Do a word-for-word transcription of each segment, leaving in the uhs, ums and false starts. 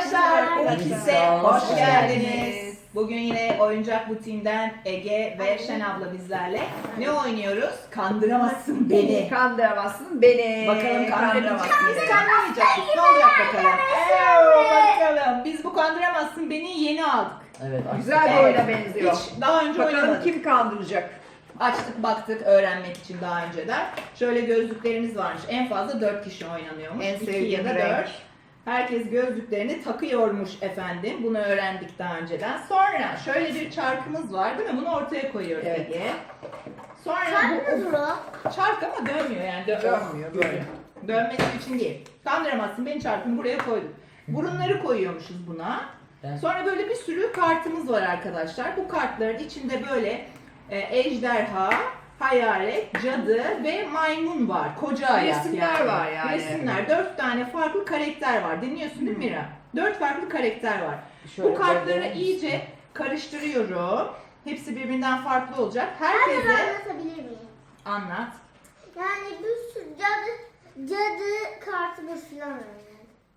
Arkadaşlar, Ulkis'e hoş Hoş geldiniz. geldiniz. Bugün yine Oyuncak Butiği'nden Ege ve Şen abla bizlerle. Ne oynuyoruz? Kandıramazsın beni. Kandıramazsın beni. Bakalım kandırabilecek miyiz? beni. Kandıramayacak mıyız? Ne olacak bakalım? Eee, bakalım. Biz bu Kandıramazsın beni yeni aldık. Evet. Güzel bir Evet. oyuna benziyor. Hiç daha önce Bakalım oynamadık. kim kandıracak? Açtık baktık öğrenmek için daha önceden. Şöyle gözlüklerimiz varmış. En fazla dört kişi oynanıyormuş. En İki sevdiğim ya da renk. dört. Herkes gözlüklerini takıyormuş efendim. Bunu öğrendik daha önceden. Sonra şöyle bir çarkımız var değil mi? Bunu ortaya koyuyoruz Evet. Ege. Sonra Çarpmaz bu mı? çark ama dönmüyor yani. Dö- Dönmüyor, böyle. Dönmesi için değil. Kandıramazsın beni çarkımı buraya koyduk. Burunları koyuyormuşuz buna. Evet. Sonra böyle bir sürü kartımız var arkadaşlar. Bu kartların içinde böyle e, ejderha, hayalet, cadı ve maymun var. Koca ayak Resimler yani. var yani. Resimler. Dört tane farklı karakter var. Dinliyorsun değil mi Mira? Dört farklı karakter var. Şöyle Bu kartları gördüğünüz- iyice karıştırıyorum. Hepsi birbirinden farklı olacak. Ben de Herkese anlatabilir miyim? anlat. Yani bir sürü cadı, cadı kartımız falan var yani.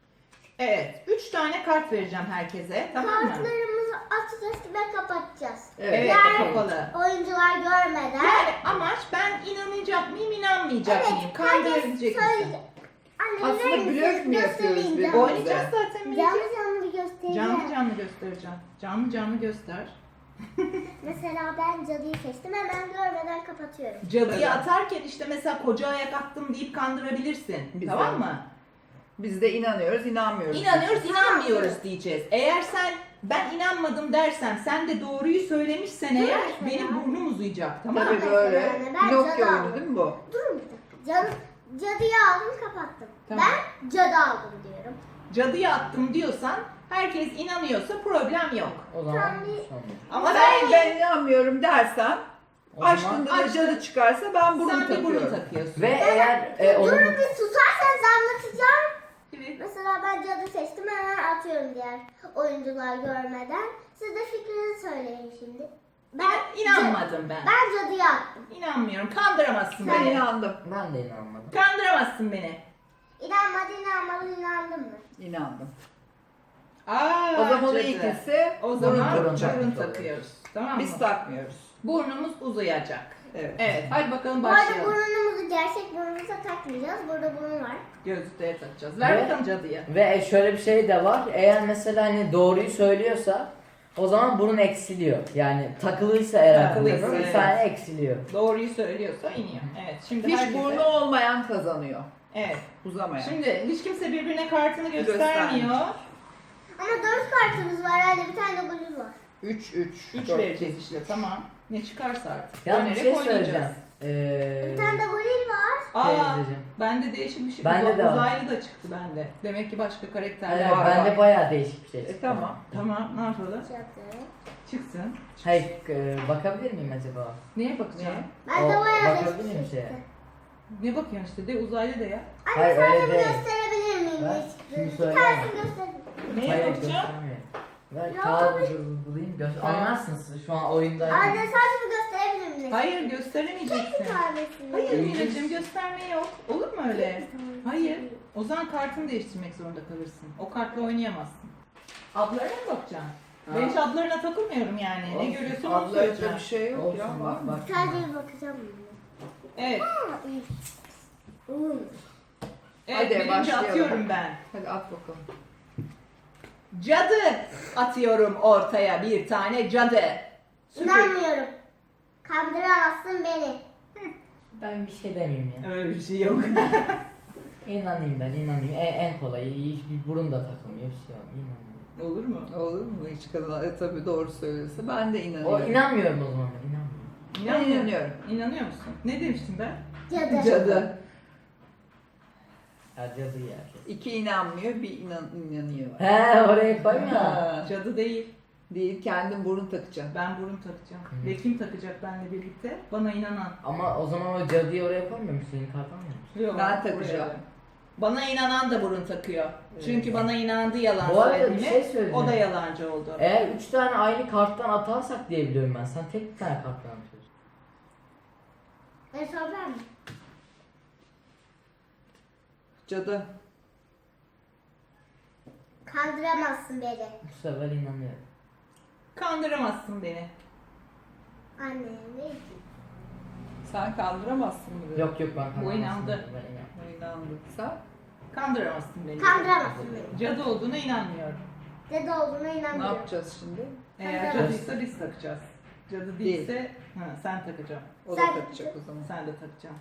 Evet. Üç tane kart vereceğim herkese. Tamam mı? Kartlarımızı açacağız ve kapatacağız. Evet. Evet. Yani Kapalı. oyuncular görmeden. Yani amaç ben inanacak mıyım, inanmayacak Evet, mıyım? herkes Kandırabilecek misin? söyleyecek. Anne, Aslında verir misiniz? blöf mü yapıyoruz Göstereyim biz? canım. Oynayacağız zaten Canlı Melike. canlı bir göstereceğim. Canlı canlı göstereceğim. Canlı canlı göster. Mesela ben cadıyı seçtim, hemen görmeden kapatıyorum. Cadıyı Evet. atarken işte mesela koca ayak attım deyip kandırabilirsin. Güzel. Tamam mı? Biz de inanıyoruz, inanmıyoruz. İnanıyoruz, inanmıyoruz diyeceğiz. Eğer sen ben inanmadım dersem sen de doğruyu söylemişsen eğer mesela. benim burnum uzayacak. Tamam mı? Tabii böyle. Yani ben Pinokyo cadı oyunu aldım. değil mi bu? Durun bir dakika. Cadı, cadıyı aldım, kapattım. Tamam. Ben cadı aldım diyorum. Cadıyı attım diyorsan herkes inanıyorsa problem yok. O zaman Tamam, bir- son. Ama Ben, ben, ben inanmıyorum dersen, O zaman- açtığında da Açtın. cadı çıkarsa ben burun sen bir burun takıyorum. takıyorsun. Ve eğer e, onun Durun bir susarsanız anlatacağım. Evet. Mesela ben cadı seçtim, hemen atıyorum diğer oyuncular görmeden. Siz de fikrinizi söyleyin şimdi. Ben inanmadım ben. Ben cadıyı attım. İnanmıyorum. Kandıramazsın Ben beni. inandım. ben de inanmadım. Kandıramazsın beni. İnanmadı, inanmadı, inandın mı? İnandım. Aa, O zaman o cadı. ikisi O burun zaman burun, takacak. takıyoruz. Tamam mı? Biz takmıyoruz. Burnumuz uzayacak. Evet. Evet. Hadi bakalım Bu arada başlayalım. burnumuzu gerçek burnumuza takmayacağız. Burada burun var. Gözlükleri takacağız. Ver Ve- bakalım cadıya. Ve şöyle bir şey de var. Eğer mesela hani doğruyu söylüyorsa o zaman burun eksiliyor. Yani takılıysa eğer Takılıysa, burun, bir evet. tane eksiliyor. Doğruyu söylüyorsa iniyor. Evet. Şimdi Hiç herkese- burnu olmayan kazanıyor. Evet. Uzamayan. Şimdi hiç kimse birbirine kartını göstermiyor. Göstermiyor. Ama dört kartımız var. Yani bir tane de blue var. üç üç. Üç vereceğiz işte. Tamam. Ne çıkarsa artık. Ya bir Dönerek şey oynayacağız. söyleyeceğim. Ee, Bir tane de blue var. Aa, teyzeciğim. bende değişik bir şey. Bende Uza- de var. Uzaylı da çıktı bende. Demek ki başka karakterler Evet, var. bende bayağı değişik bir şey. E, çıktı. tamam. Tamam. Ne yapalım? Cadı. Çıksın. Hayır, e, bakabilir miyim acaba? Neye bakacağım? Ben de O- bayağı bakabilir değişik miyim bir şeye? çıktı. Ne bakıyorsun işte? De uzaylı de ya. Anne Hayır, sadece öyle bir değil. gösterebilir miyim Ben ne çıktığını? şimdi Bir söyleyemem. tanesini gösterin. Neye Hayır, bakacağım? göstermiyor. Ver Ya, kağıdı tabii. dur- bulayım göster. Tamam. Anlarsınız şu an oyundayım. Anne sadece bir gösterebilir miyim? Hayır Bir gösteremeyeceksin. tanesini. Hayır İyi. Mineciğim gösterme yok. Olur mu öyle? Hayır. O zaman kartını değiştirmek zorunda kalırsın. O kartla oynayamazsın. Adlarına mı bakacaksın? Ha. Ben hiç adlarına takılmıyorum yani. Ne Olsun. görüyorsun onu Abla söyleyeceğim. bir şey yok ya. Olsun Var bak mı? bak. Sadece bir bakacağım. Evet. Aa, iyi. Hmm. Evet Hadi, birinci başlayalım. atıyorum ben. Hadi at bakalım. Cadı atıyorum ortaya bir tane cadı. Süper. İnanmıyorum. Kandıramazsın beni. Ben bir şey demeyeyim ya. Öyle bir şey yok. İnanayım ben inanayım. En, en kolayı hiçbir burun da takılmıyor bir şey yok. İnanıyorum. Olur mu? Olur mu hiç kadın? E, tabii doğru söylüyorsa ben de O inanıyorum. inanmıyorum o zaman ben inanmıyorum. Ben İnanmıyorum. inanıyorum. İnanıyor musun? Ne demiştim ben? Cadı. Cadı. Ya cadı ya. İki inanmıyor, bir inan inanıyor. He oraya koyma. Ha, Cadı değil. değil, kendin burun takacaksın. Ben burun takacağım. Hı. Ve kim takacak benimle birlikte? Bana inanan. Ama o zaman o cadıyı oraya koymuyor musun? Senin kartın mı? Yok, Ben buraya. takacağım. Bana inanan da burun takıyor. Evet. Çünkü bana inandı yalan Bu arada bir söylediğime. şey söyleyeceğim. O da yalancı oldu. Eğer üç tane aynı karttan atarsak diye biliyorum ben. Sen tek bir tane karttan atıyorsun. En son ben mi? Cadı. Kandıramazsın beni. Bu sefer inanıyorum. Kandıramazsın beni. Anne neydi? Sen kandıramazsın bunu. Yok yok ben Bu kandıramazsın. inandı. Ben inandım. İnandım. Sen? Kandıramazsın beni. Kandıramazsın beni. Cadı olduğuna inanmıyorum. Dede olduğuna Ne inanmıyorum. yapacağız şimdi? Eğer Kandıramazsın. cadıysa biz takacağız. Cadı Değil. değilse ha, sen takacaksın. O da Sen- takacak o zaman. Sen de takacaksın.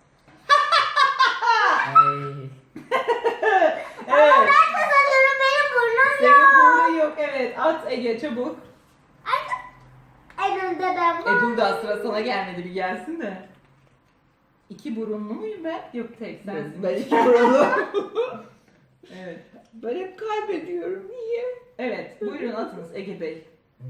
Ay. Evet. Ben kazanıyorum, benim burnum Senin yok. burada yok. Evet. At Ege çabuk. En önde ben E varım. dur da sıra sana gelmedi, bir gelsin de. İki burunlu muyum ben? Yok tek sensin. Ben iki burunlu. Evet. Ben hep kaybediyorum. Niye? Evet. Buyurun atınız Ege Bey.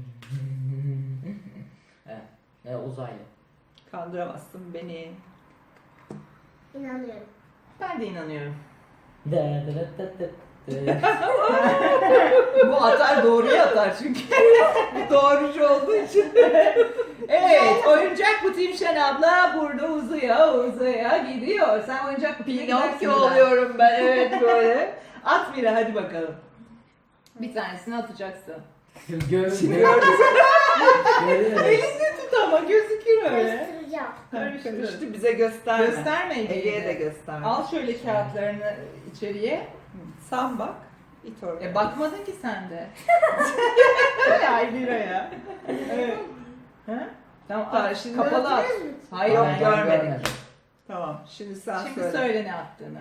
Evet. E, uzaylı. Kandıramazsın beni. İnanıyorum. Ben de inanıyorum. Dı dı dı dı dı. Bu atar doğruya atar çünkü. Doğrucu olduğu için. Evet. Oyuncak bu Timşen abla burada uzuya uzuya gidiyor. Sen oyuncak bu Pinokyo oluyorum ben. Evet böyle. At Mira hadi bakalım. Bir tanesini atacaksın. Gördüm. Görüyoruz. Görüyoruz. Elinde tut ama gözükür öyle. Karıştıracağım. Karıştır. Karıştı bize gösterme. Gösterme Ege'ye Ege'ye de. de gösterme. Al şöyle kağıtlarını içeriye. Sen bak. İt oraya. E bakmadın ki sen de. Ay Mira'ya. Evet. Ha? Tamam Tamam, at, şimdi kapalı at. Gördünüz mü? Hayır Yok, ben görmedim. Tamam. Şimdi sen Şimdi söyle. söyle ne attığını.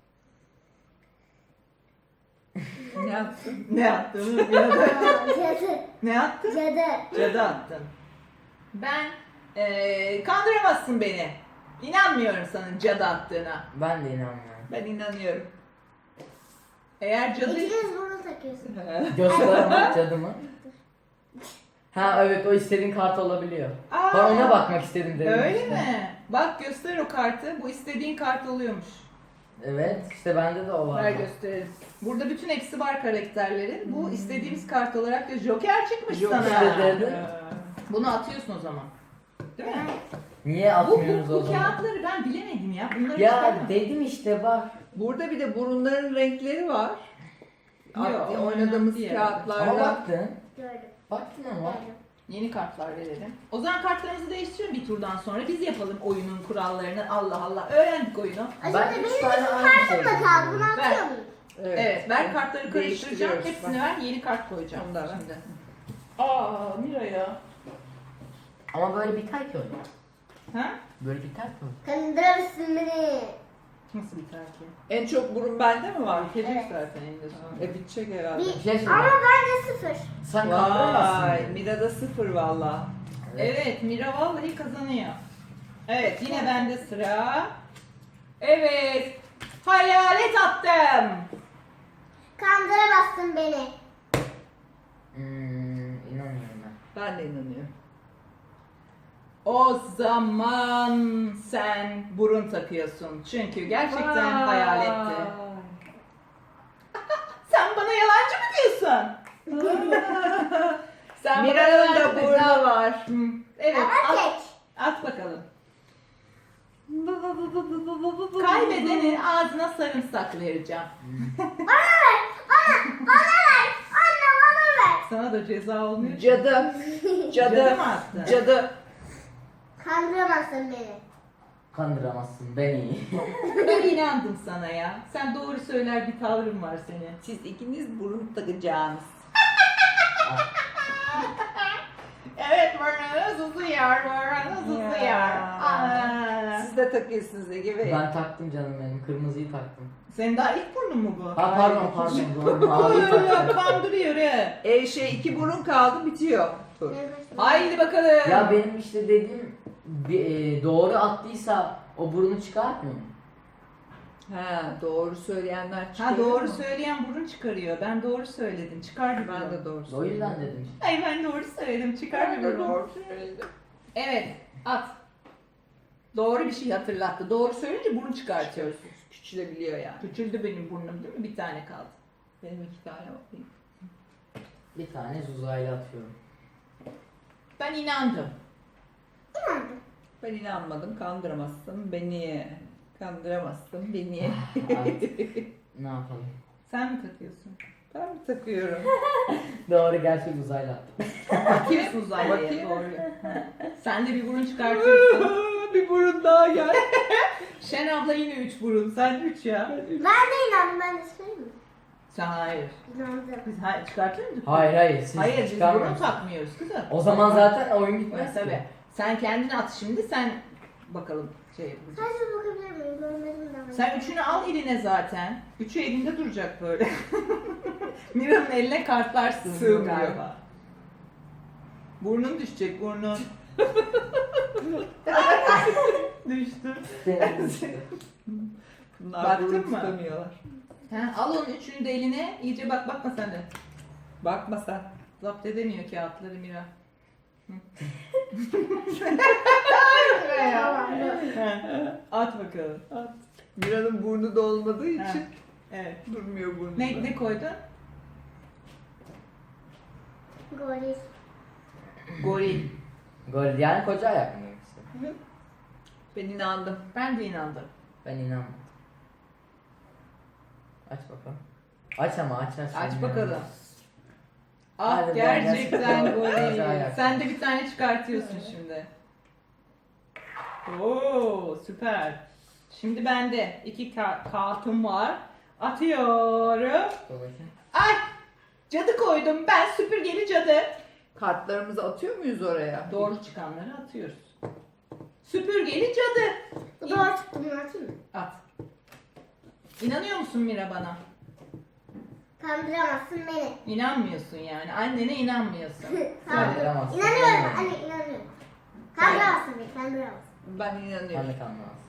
Ne yaptın? Ne attığını Mira'da. Aa, Cadı. Ne attın? Cadı. Cadı attın. Ben eee kandıramazsın beni. İnanmıyorum sana cadı attığına. Ben de inanmıyorum. Ben inanıyorum. Eğer cadı... İkiniz burun takıyorsun. Gösterme cadımı. Ha evet o istediğin kart olabiliyor. Aa, Ben ona bakmak istedim dedim Öyle işte. mi? Bak göster o kartı. Bu istediğin kart oluyormuş. Evet işte bende de o var. Ver gösterelim. Burada bütün hepsi var karakterlerin. Bu istediğimiz kart olarak da Joker çıkmış Joker sana. dedi. Bunu atıyorsun o zaman. Değil mi? Niye Bu, atmıyoruz bu, o bu zaman? kağıtları ben bilemedim ya. Bunları Ya çıkarma. dedim işte bak. Burada bir de burunların renkleri var. Yok, At- onlar oynadığımız değil. Ama kağıtlarda. baktın. Gördüm. Baktın ama. Gördüm. Yeni kartlar verelim. O zaman kartlarımızı değiştirelim bir turdan sonra. Biz yapalım oyunun kurallarını. Allah Allah. Öğrendik oyunu. Ben Acaba üç benim tane bütün aynı kartım şey da kaldı. Bunu Ver. atıyor muyum? Evet, ver kartları karıştıracağım. Değiştiriyoruz. Hepsini Bak. ver. Yeni kart koyacağım. Onu da ver. Şimdi. Aa Mira ya. Ama böyle biter ki öyle. Ha? Böyle biter ki öyle. Kandırırsın beni. Nasıl biter ki? En çok burun bende mi var? Bitecek Evet. zaten eninde sonunda. E bitecek herhalde. Bir, Bir şey söyleyeyim. ama bence sıfır. Sen kandıramazsın. Vay, beni. Mira'da sıfır valla. Evet, Mira vallahi kazanıyor. Evet, yine bende sıra. Evet, hayalet attım. Kandıramazsın beni. Hmm, inanmıyorum ben. Ben de inanıyorum. O zaman sen burun takıyorsun. Çünkü gerçekten hayaletti. Sen bana yalancı mı diyorsun? Sen bana Mira'nın yalancı da mı- burnu var. Hı, Evet, Ama at, tek. at bakalım. Kaybedenin ağzına sarımsak vereceğim. Bana ver. Bana. Bana ver. Anne bana ver. Sana da ceza olmuyor. ki. Cadı. Cadı Cadı. mı attın? Cadı. Kandıramazsın beni. Kandıramazsın beni. Ben inandım sana ya. Sen doğru söyler bir tavrın var senin. Siz ikiniz burun takacaksınız. Evet, burnunuz uzuyor, burnunuz uzuyor. Ya. Aa. Siz de takıyorsunuz Ege Bey. Ben taktım canım benim. Kırmızıyı taktım. Senin daha ilk burnun mu bu? Ha pardon pardon. Doğru. Maviyi Aa, taktım. kandırıyor he. E şey iki burun kaldı bitiyor. Dur. Haydi bakalım. Ya benim işte dediğim bir, e, doğru attıysa o burnu çıkartmıyor mu? Ha doğru söyleyenler çıkıyor. Ha doğru mu? söyleyen burun çıkarıyor. Ben doğru söyledim. Çıkardı Ben burun. de doğru O söyledim. yüzden dedim. Ay ben doğru söyledim. Çıkar Ben bir de burun. doğru söyledim. Evet, at. Doğru bir şey hatırlattı. Doğru söyleyince burun çıkartıyoruz. Küçülebiliyor yani. Küçüldü benim burnum değil mi? Bir tane kaldı. Benim iki tane var. Bir tane uzaylı atıyorum. Ben inandım. İnandım. Ben inanmadım. Kandıramazsın beni. Kandıramazsın beni. Artık ne yapalım? Sen mi takıyorsun? Ben mi takıyorum? Doğru, gerçek uzaylı attım. Atıyorsun uzaylıya. Bakayım. Doğru. Sen de bir burun çıkartıyorsun. Bir burun daha gel. Şen abla yine üç burun. Sen üç ya. Ben de inandım. Ben de söyleyeyim mi? Sen hayır. İnandım. Biz hayır, çıkartıyor muyduk? Hayır hayır, siz Hayır biz burun çıkarmıyorsunuz. takmıyoruz kızım. O zaman zaten oyun Evet, bitmez tabii. ki. Sen kendini at şimdi, sen bakalım şey yapacağız. Sadece bakabilir miyim? Görmedim de. Sen üçünü al eline zaten. Üçü elinde duracak böyle. Mira'nın eline kartlar sığmıyor Sığmıyor. galiba. Burnun düşecek, burnun. Düştü. Bunlar Baktın burun mı? tutamıyorlar. Ha, al onun üçünü de eline, iyice bak, bakma sen de. Bakma sen. Zapt edemiyor kağıtları Mira. At bakalım. At. Mira'nın burnu da olmadığı Ha, için evet. durmuyor burnu. Ne, ne koydun? Goril. Goril. Gol yani koca ayak mı yoksa? Ben inandım. Ben de inandım. Ben inanmadım. Aç bakalım. Aç ama aç aç. Aç Ben bakalım. inanmadım. Ah Hadi ben gerçekten gerçekten goril. güzel. Sen de bir tane çıkartıyorsun şimdi. Oo süper. Şimdi bende iki ka- kartım var. Atıyorum. Dur bakayım. Ay! Cadı koydum ben, süpürgeli cadı. Kartlarımızı atıyor muyuz oraya? Doğru çıkanları atıyoruz. Süpürgeli cadı. Bu doğru çıktı. Bunu atayım mı? At. İnanıyor musun Mira bana? Kandıramazsın beni. İnanmıyorsun yani. Annene inanmıyorsun. Tamam. Kandıramazsın. İnanıyorum. Anne inanıyorum. Kandıramazsın beni. Kandıramazsın. Ben inanıyorum. Ben de kanmaz.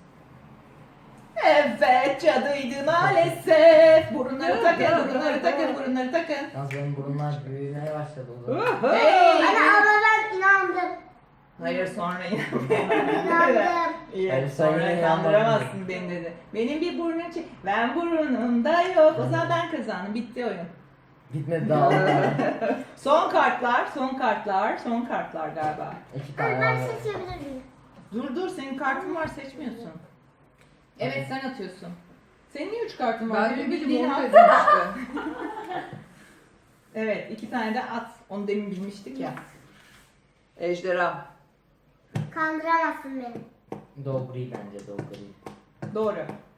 Evet cadıydı maalesef. Burunları takın, burunları takın, burunları takın. Yalnız benim burunlar büyümeye başladı o zaman. Hey! Anne abla ben inandım. Hayır sonra İnandım. İyi, Hayır, sen sonra yine kandıramazsın beni dedi. Benim bir burnum çek. Ben burnumda yok. O zaman ben kazandım. Bitti oyun. Bitmedi daha onlar. Son kartlar, son kartlar, son kartlar galiba. İki tane Anne ben var. seçebilir miyim? Dur dur senin kartın var seçmiyorsun. Evet sen atıyorsun. Senin niye üç kartın var? Ben de Benim bildim bildiğin onu at. dedim işte. Evet iki tane de at. Onu demin bilmiştik ya. Ejderha. Kandıramazsın beni. Dogri bence dogri. Doğru.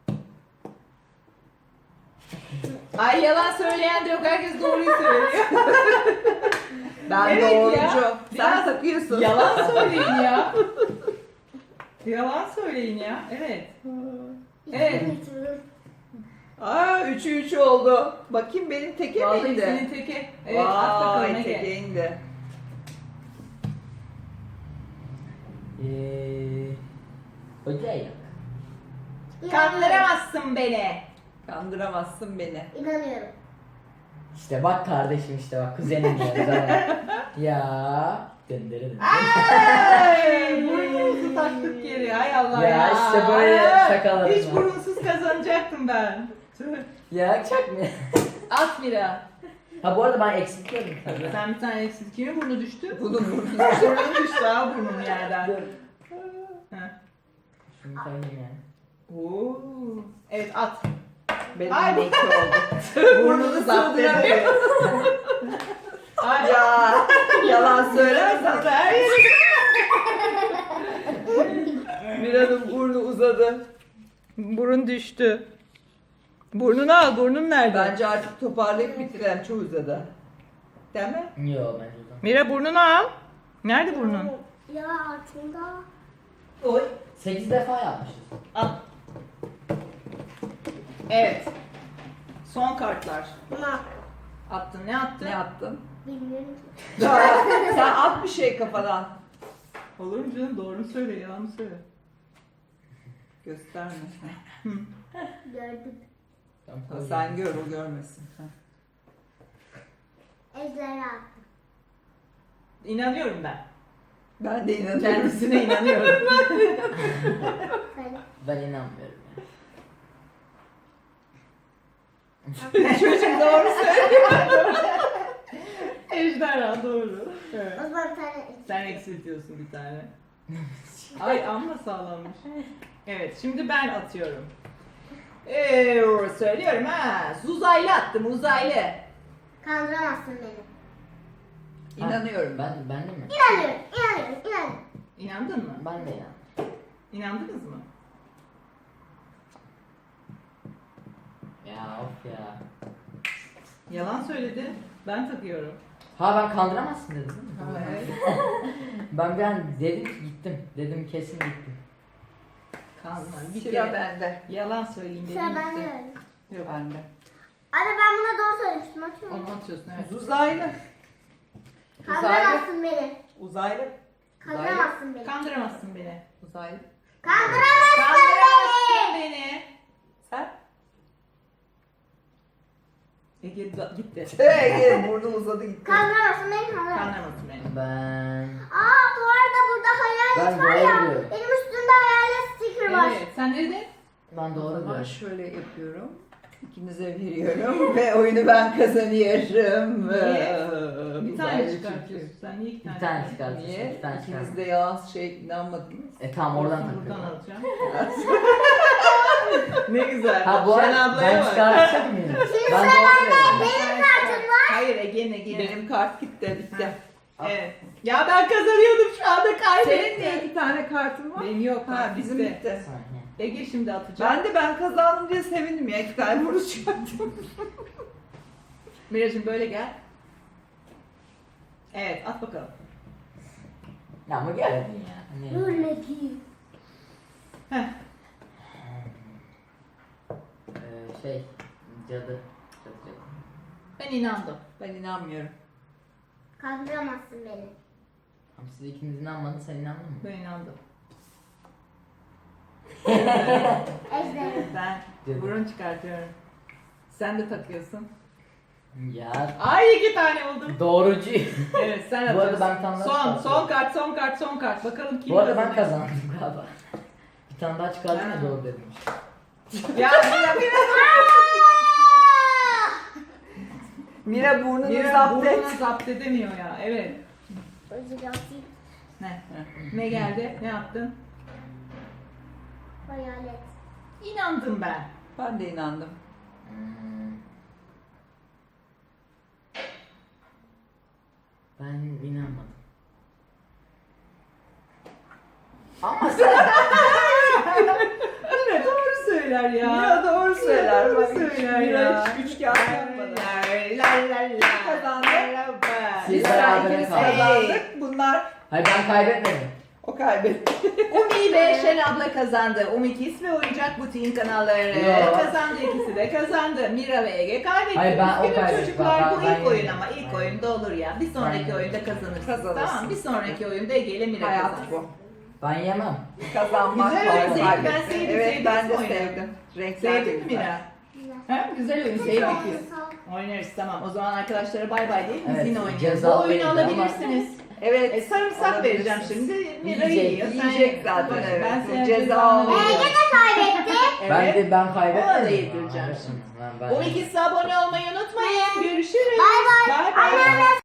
Ay yalan söyleyen de yok. Herkes doğruyu söylüyor. Ben Evet doğrucu. ya. Sen Biraz takıyorsun. Yalan söyleyin ya. Yalan söyleyin ya. Evet. Evet. İçim- Aa üçü üç oldu. Bakayım benim teke Vallahi miydi? senin teke. Evet at bakalım Vay Ege. teke indi. Eee... Koca ayak. Kandıramazsın beni. Kandıramazsın beni. İnanıyorum. İşte bak kardeşim işte bak kuzenim ya. Zaten. Ya. Döndürün. Ay, burnumuzu taktık geri. Ay Allah ya. Ya işte böyle şakalarım Hiç var. burunsuz kazanacaktım ben. Tüh. Ya çak mı? At Mira. Ha bu arada ben eksiltiyordum tabii. Sen bir tane eksilttin. Kimin burnu düştü? Bunun burnu. Burnun düştü ha burnun yerden. Dur. Heh. Şunu koyayım yani. Oo. Evet at. Benim Ay. de iki oldu. Burnunu zapt edemiyor. Ay. Ya yalan söylersen. Her yeri. Mira'nın burnu uzadı. Burun düştü. Burnunu al. Burnun nerede? Bence artık toparlayıp bitirelim. Çok uzadı. Değil mi? Yo bence de. Mira burnunu al. Nerede burnun? Ya altında. Oy. sekiz defa yapmışız. Al. Evet. Son kartlar. Ama Attın. Ne attın? Ne yaptın? bilmiyorum ki. Sen at bir şey kafadan. Olur mu canım? Doğru söyle. Yalan mı söyle? Gösterme. Gördüm. Tamam, Ha, koyayım. sen gör o görmesin. Ha. Ejderha. İnanıyorum ben. Ben de inanıyorum. Kendisine inanıyorum. Sen. Ben inanmıyorum ya. Çocuk doğru söylüyor. Ejderha doğru. Evet. O zaman bir tane. Sen eksiltiyorsun bir tane. Ay amma sağlammış. Evet şimdi ben atıyorum. Ee, söylüyorum ha. Uzaylı attım uzaylı. Kandıramazsın beni. İnanıyorum. Ben, ben de mi? İnanıyorum, inanıyorum, inanıyorum. İnandın mı? Ben de ya. İnandınız mı? Ya of ya. Yalan söyledi. Ben takıyorum. Ha ben kandıramazsın dedim değil mi? Evet. Ben bir an dedim ki gittim. Dedim kesin gittim. Kanma. Bir Sıra kere bende. yalan söyleyeyim dedim. Sıra bende gitti. öyle. Yok. Bende. Anne ben buna doğru söylemiştim. Açıyorum. Onu atıyorsun evet. Uzaylı. Kandıramazsın beni. Uzaylı. Kandıramazsın beni. Kandıramazsın beni. Uzaylı. Kandıramazsın Kandıramazsın beni. beni. Sen? Ege da- gitti. Ege burnu uzadı gitti. Kandıramazsın beni. Kandıramazsın. Kandıramazsın beni. Ben... Aa bu arada burada hayalet Ben var doğru ya. diyorum. Benim üstümde hayalet sticker var. Evet. Sen ne dedin? Ben doğru Ama diyorum. şöyle yapıyorum. İkinize veriyorum ve oyunu ben kazanıyorum. Niye? Bir tane Uzaylı çıkartıyorsun. Sen niye iki tane? Bir tane çıkartıyorsun? çıkartıyorsun. Niye? Bir tane İkiniz çıkartıyorsun. de yalan şey inanmadınız. E tamam oradan Olsun, buradan takıyorum. alacağım. Ne güzel. Ha bu Şen arada ablaya ben bak. çıkartacak mıyım? Şimdi Ben sıra doğru bende. diyorum. Benim kartım var. Hayır Ege'nin Ege'nin. Benim kart gitti bitti. Evet. Ya ben kazanıyordum şu anda Senin de kaybettim. iki tane kartın var. Benim yok. Ha Ha, bizim bitti. bitti. Saniye. Ege şimdi atacak. Ben de ben kazandım diye sevindim ya. İki tane burnu çıkarttım. Miracığım böyle gel. Evet at bakalım. Ya ama geldin ya. Hani... Dur Leki. Heh. Ee, şey... Cadı. Cadı cadı. Ben inandım. Ben inanmıyorum. Kandıramazsın beni. Tamam siz ikiniz inanmadın sen inandın mı? Ben inandım. Ejder. Ben Cadı. burun çıkartıyorum. Sen de takıyorsun. Ya Ay iki tane oldum. doğrucu. Evet sen Bu arada atıyorsun. ben tam daha Son, çıkartıyorum. son kart, son kart, son kart. Bakalım kim Bu arada ben kazanıyor. kazandım galiba. Bir tane daha çıkardım ya Ha. doğru dedim. Ya Mira, Mira. Mira burnunu Mira zapt et. burnunu zapt edemiyor ya. Evet. Özür atayım. Ne? Ne geldi? Ne yaptın? Hayalet. İnandım ben. Ben de inandım. Hmm. Ben inanmadım. Ama sen... Mira doğru söyler ya. Mira doğru söyler. Doğru Bak, söyler Mira ya. hiç üç kağıt yapmadı. La la la. Kazandı. Siz Biz berabere ikimiz kaldınız. kazandık. Bunlar Hayır ben kaybetmedim. o kaybetti. Umi ve Şen abla kazandı. Umi Kiss ve Oyuncak Butiğin kanalları Yok. kazandı. İkisi de kazandı. Mira ve Ege kaybetti. Hayır, ben o Üzgünüm kaybetti. çocuklar Ben- bu ben ilk oyun yendim. ama ilk Ben oyunda olur ya. Bir sonraki Ben oyunda kazanırsınız. Kazanırsın. Tamam bir sonraki oyunda Ege ile Mira Hayat kazansın. bu. Ben yemem. Kazanmak Güzel var, oyun, zevkli. Ben kaybetmek. sevdim, Evet sevdim ben de oyunu. sevdim. Renkler de Sevdin mi güzel. Mira? Güzel. Ha? Güzel oyun Çok sevdik sağ olun, biz. sağ olun. Oynarız tamam. O zaman arkadaşlara bay bay deyip biz Evet, yine oynayalım. ceza Bu oyunu oyunu ama- alabilirsiniz. Evet. E, sarımsak vereceğim alabilirsiniz. şimdi. Mira Yiyecek, yiyor. Sen yiyecek ye. zaten, Bak, evet. Ben Bu senin ceza cezanı olacak. veriyorum. Ege de kaybetti. Ben Evet. de ben kaybetmedim. Ona da yedireceğim Evet, şimdi. Ben, ben on ikisi abone olmayı unutmayın. Görüşürüz. Bay bay. Bay bay. Anneanne